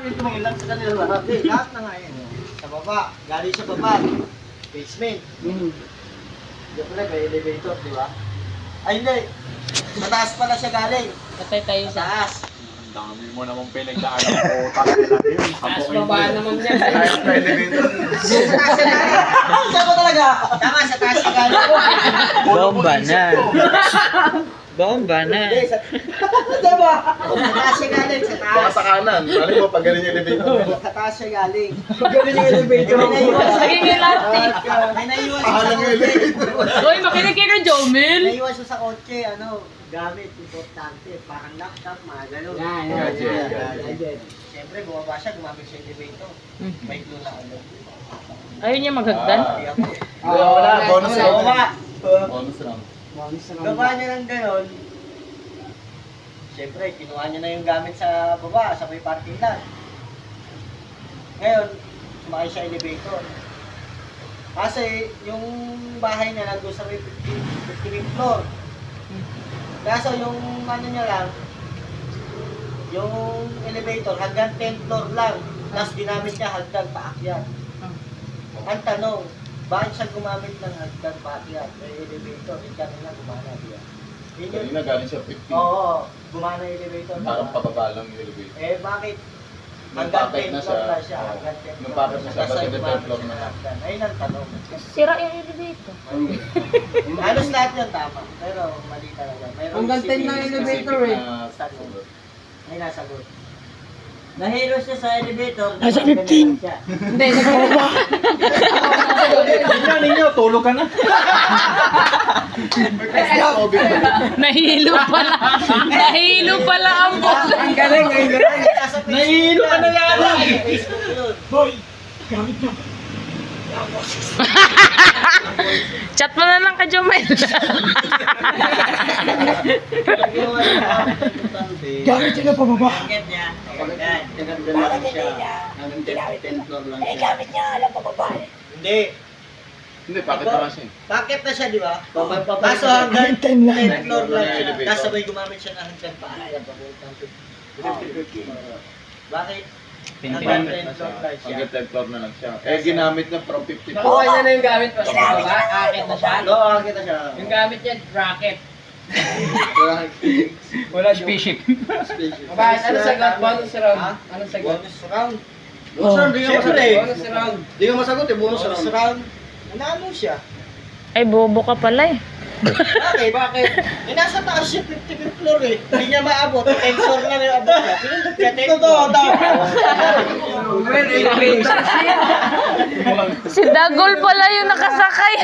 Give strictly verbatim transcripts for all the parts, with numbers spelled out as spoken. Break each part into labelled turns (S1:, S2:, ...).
S1: yung tumangilan sa kanila lahat.
S2: Hindi, lahat na nga yun. Sa baba, galing sa baba. Basement.
S1: Hmm.
S2: Siyempre, may elevator, di ba? Ay, hindi. Sa taas pala siya galing.
S3: Patay tayo
S2: Sa
S3: sa...
S2: taas.
S4: Ang dami mo namang pinagdaanan ko. Talaga na yun.
S3: Taas baba naman yan.
S4: Kahit na elevator.
S2: Sa taas siya galing. Saan ko talaga? Tama, sa taas siya galing.
S5: Bomba na. Bomba na.
S2: Hindi, sa... Diba? Sa taas siya galing, sa
S4: Baka
S2: taas.
S4: sa kanan. Ano mo pag galing yung elevator?
S2: Sa taas siya galing. Galing yung elevator. May naiwan siya.
S3: Naging elastic.
S2: May naiwan siya sa
S4: Pahalang yung
S2: kotse.
S4: elevator.
S3: Uy, makinig kayo kay Jomel.
S2: Naiwan siya sa kotse, ano, gamit, importante. Parang laptop, mga gano'n.
S1: Yan, yan,
S4: Gadget,
S1: yan.
S4: gadget.
S1: Gadget.
S2: Siyempre, bumaba siya, gumamit siya elevator. May clue na ano.
S3: Ayun niya maghagdan.
S2: Hindi ako.
S4: Wala, wala. Bonus
S2: Wala,
S4: round.
S2: wala.
S4: Bonus round.
S1: Bonus round.
S2: Gawa niya ng gano'n. Siyempre, kinuha niya na yung gamit sa baba, sa may parking lot. Ngayon, sumakay siya elevator. Kasi yung bahay niya nandun sa may fifteenth floor. Kaso yung ano niya lang, yung elevator hanggang tenth floor lang. Tapos ginamit niya hagdan paakyat. Ang tanong, bakit siya gumamit ng hagdan paakyat? May elevator, hindi kanina gumana diya. Yun yun.
S4: Kanina galing siya fifteen.
S2: Oo, gumana yung elevator.
S4: Parang pababa lang yung elevator.
S2: Eh bakit?
S4: Nung
S2: Hanggang
S4: packet na
S2: tenth floor
S4: siya,
S2: lang siya.
S4: oo.
S2: Hanggang tenth
S4: Nung
S2: floor.
S4: packet na siya,
S2: Tapos
S4: bakit
S2: ay
S4: tenth
S2: gumamit
S4: floor
S2: siya
S4: na
S2: ng
S4: lang?
S2: hagdan. Ayun ang tanong.
S3: Sira yung elevator.
S2: Halos lahat yun tama. Pero mali talaga. Mayroong
S1: Hanggang ten
S2: isipin-
S1: na yung
S4: Specific
S1: elevator eh.
S4: na
S2: Sagot. May nasagot. Nahilo siya sa elevator.
S5: Nasa fifteen.
S3: Hindi,
S4: Ninyo, ninyo, tulog ka na.
S3: nahilo pala. Nahilo pala ang bola.
S1: Ang galing, ang galing.
S2: Nahilo ka na yan.
S4: Boy!
S3: Chat mo na lang kay Jomel.
S2: Gamit siya na pababa. Gamit niya. Yan. Tinagdan lang siya. Hanggang tenth floor lang siya. Eh, gamit niya. Alam pababa. Hindi.
S4: Hindi, bakit naman siya?
S2: Bakit na siya, di ba? Kaso hanggang tenth floor lang siya.
S4: Elevator.
S2: Tapos sabay gumamit siya ng hanggang paakyat. Bakit? Hanggang tenth floor lang siya.
S4: Hanggang tenth floor na lang siya. Eh, ginamit niya from fifty floor.
S1: Nakuha niya na yung gamit pa sa baba. Akit na siya.
S2: Oo, kita siya.
S1: Yung gamit niya, bracket.
S5: Wala spaceship.
S1: Bakit? Ano sagot? Bonus round.
S2: Ha?
S1: Ano sagot?
S2: Bonus round.
S5: Bonus round,
S2: di ka masagot.
S1: Bonus round.
S2: Di ka masagot eh, bonus round. Nanalo siya.
S3: Ay, bobo ka pala eh.
S2: Bakit? Bakit? Eh, nasa taas siya, fifty-fifth floor eh. Hindi niya maabot. tenth floor lang yung abot niya. Pinundot niya, tenth floor. Totoo,
S1: Well, elevator siya.
S3: Si Dagol pala yung nakasakay.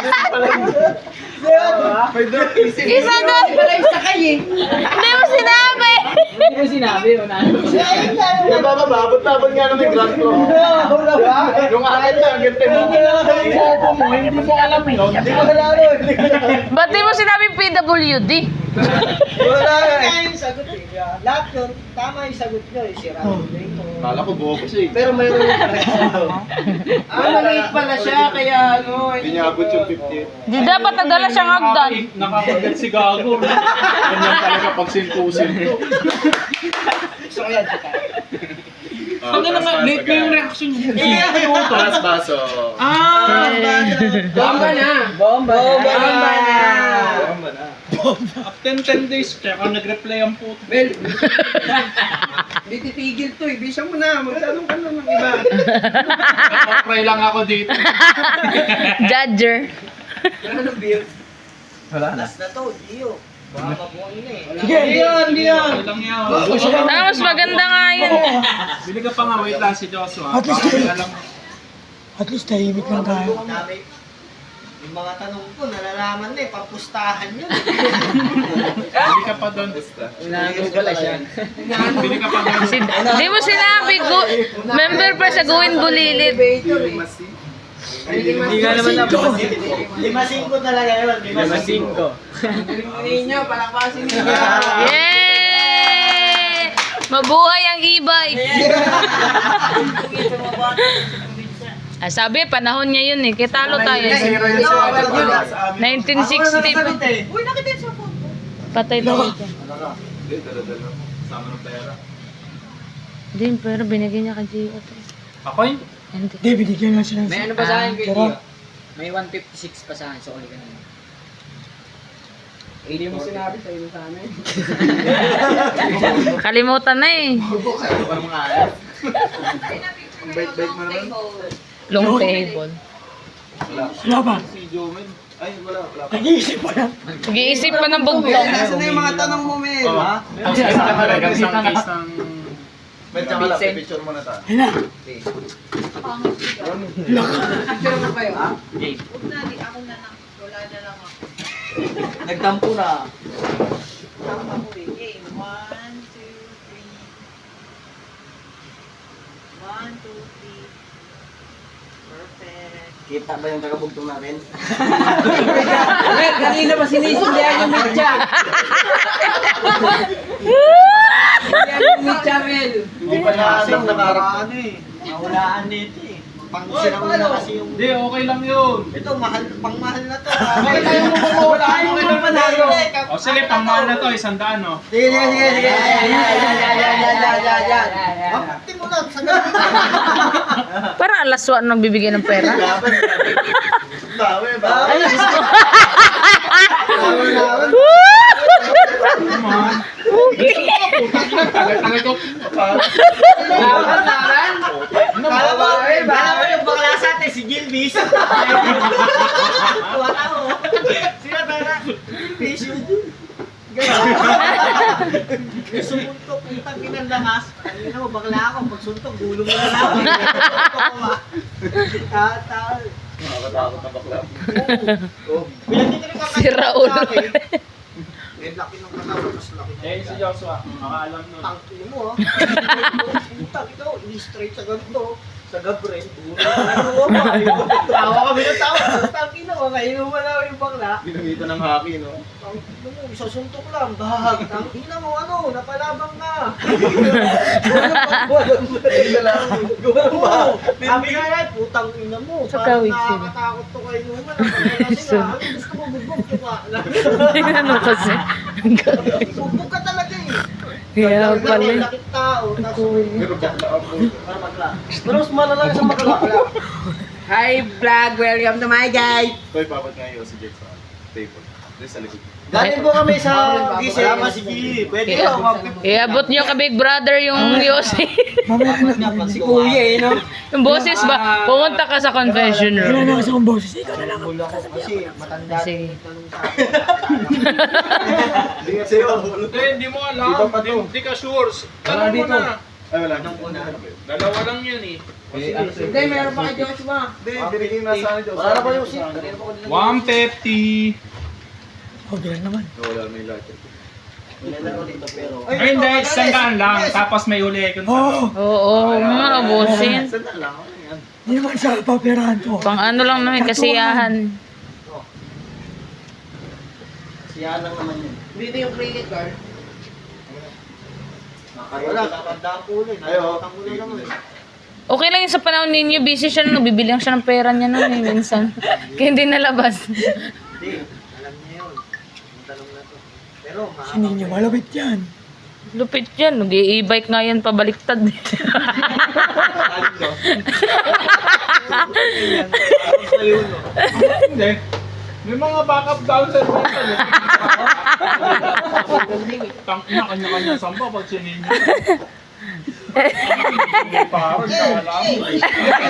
S3: Isa doon.
S1: Wala yung sakay eh.
S3: Hindi mo sinabi.
S1: Hindi mo sinabi, una.
S4: Nababababot-tabot nga naman yung ground ko. Yung akin na, hanggang tenth floor.
S5: mo, hindi mo alam eh.
S2: Hindi ko nalalo. Hindi ko nalalo.
S3: Ba't di mo sinabing P W D?
S2: Wala nga yung sagot eh. Lahat yun, tama yung sagot nyo eh. Si Round ko.
S4: Kala ko buho ko siya eh.
S2: Pero mayroon yung correction.
S1: Ah, maliit pala siya, kaya ano.
S4: Hindi niya abot yung fifty.
S3: Di dapat nagdala siyang hagdan.
S4: Nakakagat si Gago. Ganyan talaga pag sinto-sinto.
S2: Gusto ko yan, saka.
S4: Ano naman, late na yung reaction niya.
S2: Eh,
S4: Pass baso.
S1: Ah! Bomba na! Bomba na!
S2: Bomba na!
S4: Bomba na. After ten days, kaya ako nag-reply ang puto.
S1: Well, hindi titigil to eh. Bisa mo na, magtanong ka na ng iba.
S4: Pray lang ako dito.
S3: Judger.
S1: Wala nang beer.
S5: Wala na.
S2: Last na to, Gio. Baka mabuhay na eh.
S1: Sige, hindi yan, hindi yan.
S4: Lang yan.
S3: Tapos maganda nga yun.
S4: Bili ka pa nga, wait lang si Joshua.
S5: At least,
S4: Baka alam mo.
S5: at least tahimik lang tayo.
S2: Dami. Yung mga tanong ko, nalalaman na eh, papustahan yun.
S4: Bili ka pa doon.
S1: Inaano pala siya.
S4: Bili ka pa doon.
S3: Si, di mo sinabi, go, member pa sa Guwin Bulilit.
S1: Elevator eh.
S2: Hindi nga naman na Lima singko talaga yun. Lima singko.
S1: Galing ninyo, palakpasin ninyo.
S3: Yay! Mabuhay ang e-bike. Ah, sabi, panahon niya yun eh. Kitalo tayo. nineteen sixty.
S2: Uy, nakita yun sa phone.
S3: Patay tayo dyan.
S4: Hindi, dala-dala. Sama ng pera.
S3: Hindi, pero binigyan niya kay Gio.
S4: Ako yun?
S3: Hindi.
S5: Hindi, binigyan lang siya ng...
S6: May ano pa sa akin kay
S5: Tara.
S6: Gio? May one fifty-six pa sa akin, so uli ka na.
S1: Hindi mo sinabi sa inyo sa amin.
S3: Kalimutan na eh.
S4: Ano mga ayos? Ang bait-bait mo naman.
S3: Long table.
S5: Wala ba?
S4: Si Jomen. Ay, wala, wala.
S5: Nag-iisip pa lang.
S3: Nag-iisip pa ng bugtong.
S1: Nasaan na yung mga tanong mo, Mel?
S4: Oo.
S1: Ha?
S4: Ang case na talaga, isang case ng... Medyo ka lang,
S6: Vincent.
S4: picture mo na tayo.
S5: Ayun na.
S1: Picture mo kayo, ha?
S7: Huwag na, di ako na lang. Wala na lang ako.
S2: Nagtampo na.
S7: Tama ko eh. Game. One, two, three. One, two, three. Perfect.
S2: Kita ba yung kakabugtong natin?
S1: Mel, kanina pa sinisindihan yung mitya. Sindihan yung mitya, Mel.
S4: Hindi pa niya alam na
S2: Ano eh. Mahulaan dito eh. Pang sinauna kasi yung...
S4: Hindi, okay lang yun.
S2: Ito, mahal, pang mahal na to.
S1: Okay tayo mo ba mawala? Ayaw mo naman panalo.
S4: O sige, pangmahal na to, isang daan, no?
S2: Sige, sige, sige, sige. Yan, yan, yan, yan, yan, yan, yan, yan. Mapakti mo lang, sa ganun.
S3: Parang alaswa nang bibigyan ng pera.
S4: Bawi, bawi. Tagal-tagal ko.
S1: Laban, laban.
S2: Kala mo, kala mo yung bakla sa atin, si Gilbis. Wala mo. Sino tara? Gilbis yun. Sumuntok, putang kinandamas. Kanina mo, bakla ako. Pagsuntok, gulong mo na lang. Tatal.
S4: Nakakatakot na bakla.
S3: Si Raul.
S2: Eh, laki ng katawan, mas laki ng
S4: Eh, si Joshua, makaalam nun.
S2: tangki mo, ha? Putang ito, ini-straight sa ganito. Sa gabren. Tawa kami ng tawa. Tangki na, makainuman na yung bakla.
S4: Ginamita ng hockey, no?
S2: Tangki mo, isasuntok lang. Bahag. Tangki na mo, ano, napalabang ka. Oo. Sabi nga na, putang ina mo.
S3: Sa
S2: Parang
S3: kawig sila.
S2: nakakatakot to kay Numan. Kasi nga, ano, gusto mo bugbog ka pa.
S3: Ano kasi?
S2: Bugbog ka talaga eh.
S3: Kaya pala.
S2: Lakit tao. Tapos,
S4: Pero bakla ako.
S2: para magla. Pero mas malala sa magla.
S1: Hi, vlog. Welcome to my guys.
S4: Koy, papat nga yung si Jake sa table. Doon sa likod.
S2: Galing po kami sa gising. Wala si Gili. Pwede
S3: Kaya-
S2: ako.
S3: Iabot niyo ka Big Brother yung Yossi.
S5: Mamaya ko na.
S2: Si Kuya eh, no?
S3: Yung boses ba? Pumunta ka sa confession
S5: Wala
S3: room.
S5: na kasi akong boses. Ikaw na lang.
S2: Kasi matanda
S3: Sige.
S2: yung tanong sa akin.
S4: Hindi nga sa'yo. Hindi, hindi mo alam. Hindi, hindi ka sure. Tanong mo na. Ay, wala. Dalawa lang yun eh.
S1: Hindi, meron pa kay Joshua.
S4: Hindi, binigyan na sa akin.
S2: Wala na pa yung seat.
S4: one fifty.
S5: Okay lang naman.
S4: Wala, may lahat.
S2: Nilalaro dito pero...
S4: Ay, hindi. Isang daan lang. Tapos may uli. Kung
S5: Oo.
S3: Oo, mga bosin.
S2: Sandal lang. Ano yan?
S5: Hindi naman sa paperahan ko.
S3: Pang ano lang naman, kasiyahan.
S2: Siya lang naman yun.
S1: Dito yung credit card.
S2: Wala, tatandaan ko ulit. Nakakatang ko na naman.
S3: Okay lang yun sa panahon ninyo, busy siya, nagbibilang siya ng pera niya nun eh, minsan. Kaya hindi nalabas.
S2: Hindi, alam niya yun. Yung tanong na to. Pero,
S5: Si Ninyo, malapit yan.
S3: Lupit yan, nag-i-e-bike nga yan pabaliktad.
S4: Hindi. May mga backup down sa rental eh. Tang ina, kanya-kanya samba pag sinin niyo. Parang nakala mo eh.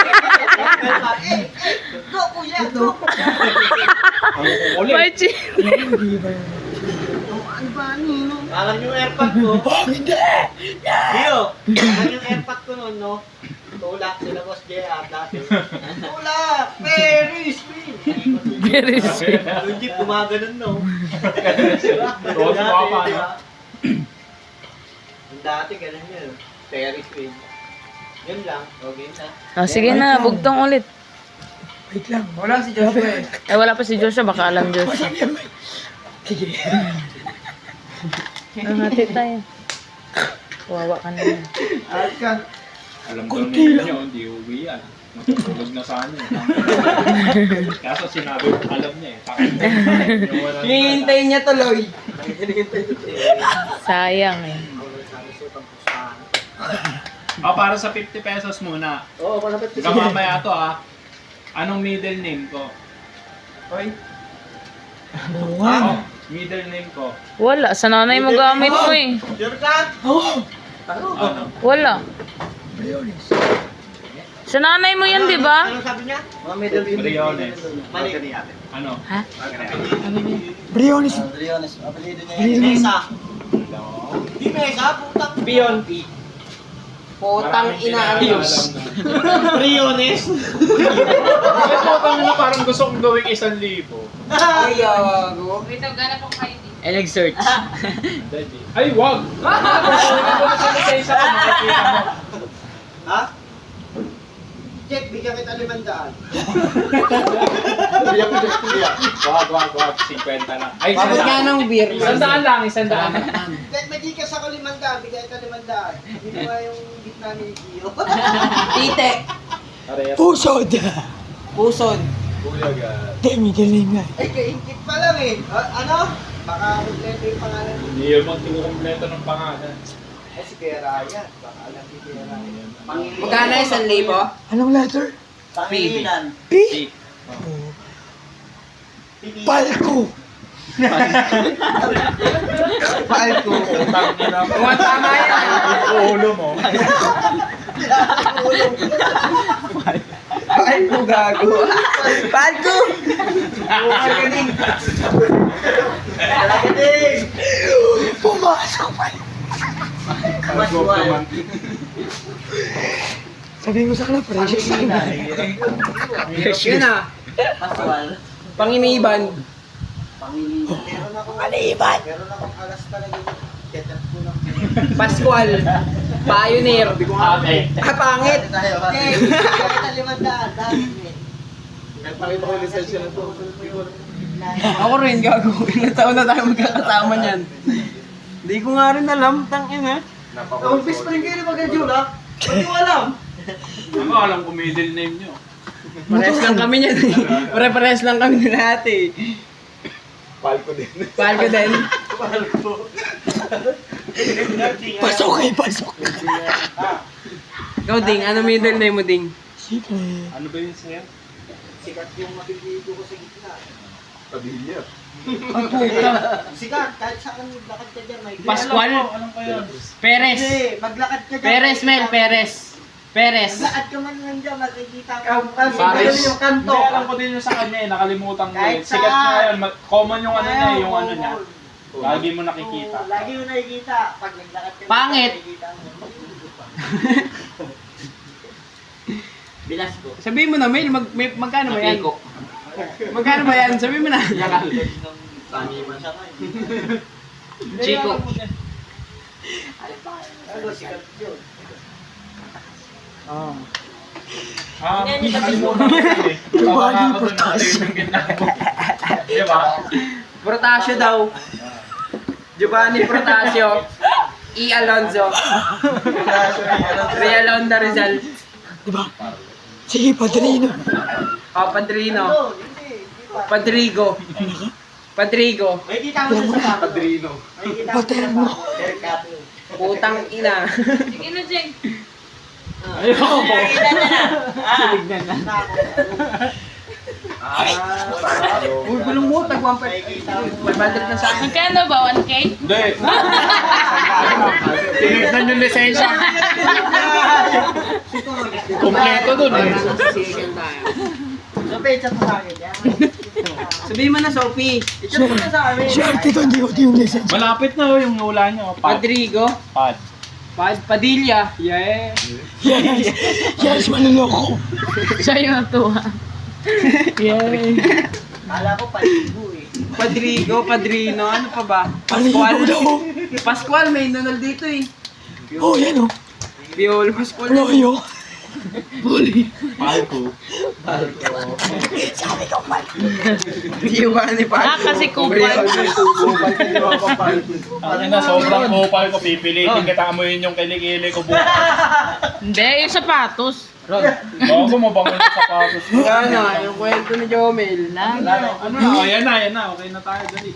S2: Go, kuya, go!
S4: Ang kukulit.
S3: May chi.
S5: Hindi ba yun?
S2: Ano ba, Nino? Alam yung airpod ko.
S5: Oh, hindi!
S2: Dio, alam yung airpod ko noon, no? Tulak sila Boss J R dati. Tulak! Very sweet!
S3: Very sweet.
S2: Yung jeep gumaganon, no?
S4: Tuwa ka pa, no?
S2: Yung dati, ganun yun. Very sweet. Yun lang. Okay na.
S3: Oh, sige na, bugtong ulit.
S5: Wait lang.
S1: Wala si Joshua eh.
S3: Eh, wala pa si Joshua, baka alam Joshua.
S5: Masabi yan, Mike. Sige.
S3: Nangati tayo. Wawa ka na yan.
S2: At ka.
S4: Alam daw
S5: Kunti
S4: ninyo,
S5: lang.
S4: hindi uwi yan. Matutulog na sana eh. Kaso sinabi ko, alam niya eh.
S1: Hinihintay niya tuloy.
S3: Sayang eh.
S4: O, para sa fifty pesos muna.
S2: Oo, malapit
S4: Ikaw mamaya to ah. Anong middle name ko?
S2: Hoy.
S5: Oo nga.
S4: Oh, middle name ko.
S3: Wala. Sa nanay mo gamit mo eh.
S2: Sure ka?
S5: Oo.
S4: Ano?
S3: Wala.
S5: Briones.
S3: Sa nanay mo yan, di ba?
S2: Anong sabi niya? Mga middle finger.
S4: Briones.
S2: Mali.
S4: Ano?
S3: Ha? Ano ba?
S5: Briones.
S2: Briones. Apelido niya.
S5: Briones.
S2: Mesa. Di Mesa, putang. Pion. Putang ina. Briones.
S4: Ay, putang ina, parang gusto kong gawing isang libo.
S2: Ay, gago.
S3: Wait, gana pong I D.
S6: Eh, nag-search.
S4: Ay, wag! Kukunin ko na sa lisensya ko, makikita mo.
S2: Ha? Check, bigyan kita limandaan.
S4: Wag, wag, wag. fifty lang. Ay,
S2: Bakit nga
S4: isang
S2: ng beer?
S4: Isang daan lang, isang daan.
S2: Kahit magikas ako limandaan, bigyan kita limandaan. Hindi mo yung gitna ni Gio.
S7: Tite.
S5: Pusod.
S7: Pusod.
S5: Di, middle name nga.
S2: Ay, kaingkit pa lang eh. Ah, ano? Baka kompleto yung pangalan.
S4: Hindi yun magkukumpleto ng pangalan.
S2: Ay, si Kuya Ryan. Baka alam si Kuya Ryan.
S7: Magkano isang libo?
S5: Anong letter?
S2: Pangilinan.
S5: P. Oo. Palco.
S2: Palco.
S4: Utang ina mo.
S7: Mga tama yan.
S4: Ulo mo.
S2: Palco, gago.
S7: Palco!
S2: Magaling. Magaling.
S5: Pumasok pa.
S2: Maswal.
S5: Sabihin mo sa kanila, precious na.
S7: Yun ah.
S2: Maswal.
S7: Panginiban.
S2: Pangilinan. Meron akong...
S5: Pangilinan.
S2: Meron akong alas talaga yung ketchup ko lang.
S7: Pascual. Pioneer.
S4: Ate.
S7: Ah, pangit.
S2: Tayo. Okay. Bigyan kita limandaan. Dahil eh.
S4: Nagpakita ko yung lisensya na to.
S7: Ako rin, gago. Ilang taon na tayo magkakasama niyan. Hindi ko nga rin alam, tangin ha.
S2: Umpis pa rin kayo na mag-adjula. Hindi ko alam.
S4: Ano alam ko middle name nyo?
S7: Parehas lang kami niyan. Pare-parehas lang kami ni ate.
S4: Palko din.
S7: Palco din.
S5: Pasok kayo, pasok.
S7: Ikaw, Ding. Ano middle name mo, Ding?
S5: Secret.
S4: Ano ba yun sa'yo?
S2: Sikat yung mabibito ko sa gitna.
S4: Pabilia.
S7: Ang puta.
S2: Sikat, kahit saan maglakad ka dyan, may...
S6: Pascual.
S4: Anong pa yun?
S6: Perez.
S2: Hindi, maglakad ka dyan.
S6: Perez, Mel. Perez. Perez.
S2: Maglakad ka man lang dyan, makikita ka.
S4: Paris.
S2: yung kanto.
S4: Hindi, alam ko din yung sa kanya eh. Nakalimutan ko eh.
S2: Kahit
S4: Sikat
S2: saan.
S4: na yun. Ma- Common yung ano niya, yung ano niya.
S2: Oo.
S4: Lagi mo nakikita.
S2: Oo, lagi mo nakikita. Pag naglakad ka.
S6: Pangit.
S2: nakikita mo. Bilas ko.
S7: Sabihin mo na, Mel. Mag, may, magkano ba yan? Magkano ba yan? Sabihin mo na.
S2: Taniman siya ngayon.
S6: Chico.
S2: Ano, sikat yun.
S4: Ah, nakalimutan ko yun eh. Tawa nga ako dun, ano yun yung ginagawa. Di ba?
S7: Protasio daw. Giovanni Protasio. E. Alonzo. Real Honda Rizal.
S5: Diba? Sige, Padrino.
S7: Oh, Padrino.
S2: Ano, hindi. Hindi pa.
S7: Padrigo. Padrigo.
S2: May kita mo sa sapato.
S4: Padrino.
S2: May kita mo sa
S5: Paterno.
S2: sapato. Haircut.
S7: Putang ina.
S3: Sige na, Jeng.
S4: Ayoko.
S7: Uy, gulong mo. Tag one
S2: May kita mo.
S7: five hundred na sa akin.
S3: Magkano ba? one K?
S4: Hindi. Tinignan yung lisensya. Kompleto dun eh.
S7: Sisigan tayo.
S2: So, page sa akin. Yan.
S7: Sabihin mo na, Sophie.
S2: Ito mo na sa amin.
S5: Sure, ito hindi ko yung lisensya.
S4: Malapit na oh, yung wala nyo. Pad.
S7: Padrigo.
S4: Pad.
S7: Pad Padilla. Yeah.
S5: Yes! Yes, manloloko.
S3: Siya yung natuwa.
S7: Yeah.
S2: Kala ko paligo eh.
S7: Padrigo, Padrino, ano pa ba?
S5: Palino
S7: Pascual.
S5: daw.
S7: Pascual, may nunal dito eh.
S5: Oh, yan oh.
S7: Piolo, Pascual.
S5: Loyo.
S4: Palko.
S5: Sabi ko, Palco.
S7: Giovanni
S3: Ah,
S7: pa.
S3: kasi kupal.
S4: Ano na, sobrang kupal ko. Pipilitin kita amuyin yung kilikili ko bukas.
S3: Hindi, yung sapatos.
S4: Bago mabangon yung sapatos ko.
S7: Yan na, yung kwento ni Jomel.
S3: Lang.
S4: Ano na, oh, yan na, yan na. Okay na tayo, dali.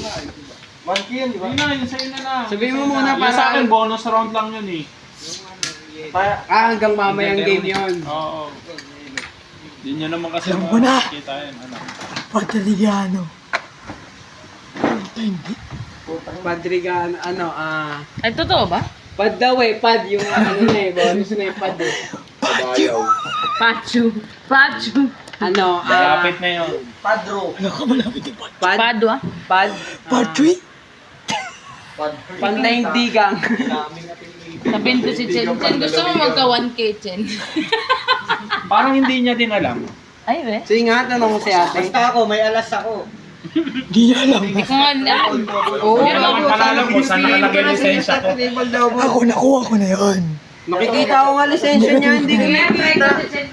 S2: Monkey yun, di ba?
S4: Yun na, yun sa'yo na lang.
S7: Sabihin mo muna
S4: Yung sa akin,
S7: para...
S4: bonus round lang yun eh.
S7: Pa- ah, hanggang mamayang game yun.
S4: Oo. Hindi nyo naman kasi
S5: Alam ko na.
S4: makikita yan. Ano?
S5: Patrigano. Puta, hindi.
S7: Padrigan, ano, ah...
S3: Ay, totoo ba?
S7: pad daw eh, pad. Yung ano na eh, bonus na yung pad eh.
S5: Patyo.
S3: Pachu. Pachu.
S7: Ano, ah...
S4: Malapit na yun.
S2: Padro.
S5: Wala ka malapit yung pat.
S7: Pad,
S3: Padwa.
S7: pad,
S5: Patry.
S7: pandaigdigang.
S3: Sabihin ko si Chen. Chen, gusto mo magka one K, Chen?
S4: Parang hindi niya din alam.
S3: Ay, we.
S7: Sige nga, tanong ko si ate.
S2: Basta ako, may alas ako.
S5: Hindi niya alam.
S3: Hindi ko nga alam.
S7: Oo,
S4: Hindi naman palala ko saan nakalagay yung lisensya ko.
S5: Ako, nakuha ko na yun.
S7: Makikita ko nga lisensya niya, hindi ko nakikita.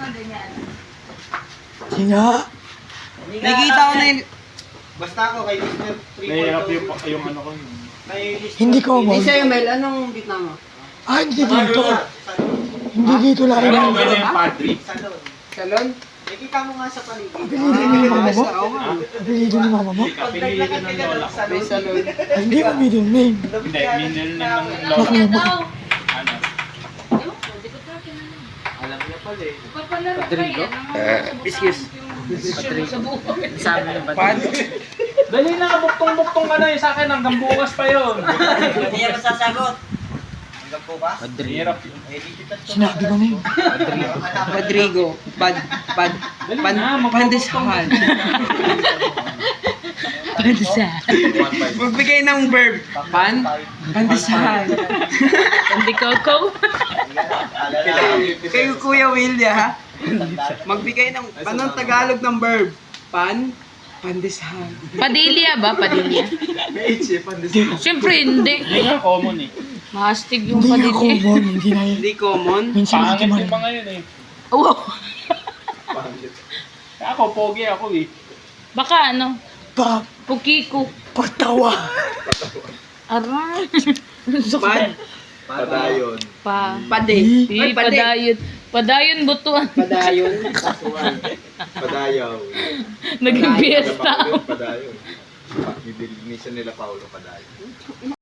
S5: Sige nga.
S7: Nakikita ko na yung...
S2: Basta ako kay mister
S4: Nahihirap
S2: Triple
S4: yung, yung ano ko.
S2: May mister
S5: Hindi ko
S7: Hindi
S5: mo.
S7: sa'yo, Mel. Anong gitna mo?
S5: Ah, hindi dito. Hindi dito lang.
S4: Pero
S5: Hindi
S4: okay na yung padre.
S2: Salon.
S7: Salon?
S2: Nakikita mo nga sa paligid.
S5: Apelido ni mama mo?
S7: Oo nga.
S5: Apelido ni mama mo?
S2: Pag
S4: Pinili
S2: naglakad
S4: ko
S2: ka
S4: ng
S2: dyan
S4: lola
S2: ng
S4: ko.
S7: May
S2: salon,
S7: salon.
S5: Ah, hindi mo middle name.
S4: Hindi, middle name ng lola ko.
S5: Bakit mo?
S4: Ano?
S7: Rodrigo? Excuse.
S3: Sabi ba?
S7: Pad?
S4: Dali na, buktong-buktong ka na eh. Sa akin hanggang bukas pa yun.
S2: Hindi yan masasagot. Hanggang po ba?
S4: Hirap yun.
S2: Eh, di kita
S5: Sinabi ko na yun.
S7: Rodrigo. Pad. Pad.
S4: Dali
S7: Pan,
S4: na,
S7: pandesal.
S3: Pandesal.
S7: Magbigay ng verb. Pan. Pandesal.
S3: Pandi Coco.
S7: Kayo Kuya Willia ha? Magbigay ng, anong Tagalog ng verb? Pan. Pandesal.
S3: Padilya ba? Padilya? Siyempre hindi.
S4: Hindi nga common eh.
S3: Mahastig yung
S5: Hindi nga
S3: padilya.
S5: common. Hindi na yun.
S7: Hindi common.
S5: Minsan
S4: Pangit
S5: natin
S4: yung mga yun eh.
S3: Wow.
S4: Kaya ako, pogi ako eh.
S3: Baka ano?
S5: Pa,
S3: Pukiko.
S5: patawa.
S3: Aray.
S7: Pad.
S2: Padayon.
S3: Pa.
S7: Pade.
S3: Di,
S7: Ay, pade.
S3: padayon. Padayon butuan.
S7: Padayon.
S1: Padayaw.
S3: Naging fiesta.
S1: Padayon. Minsan nila Paulo Padayon.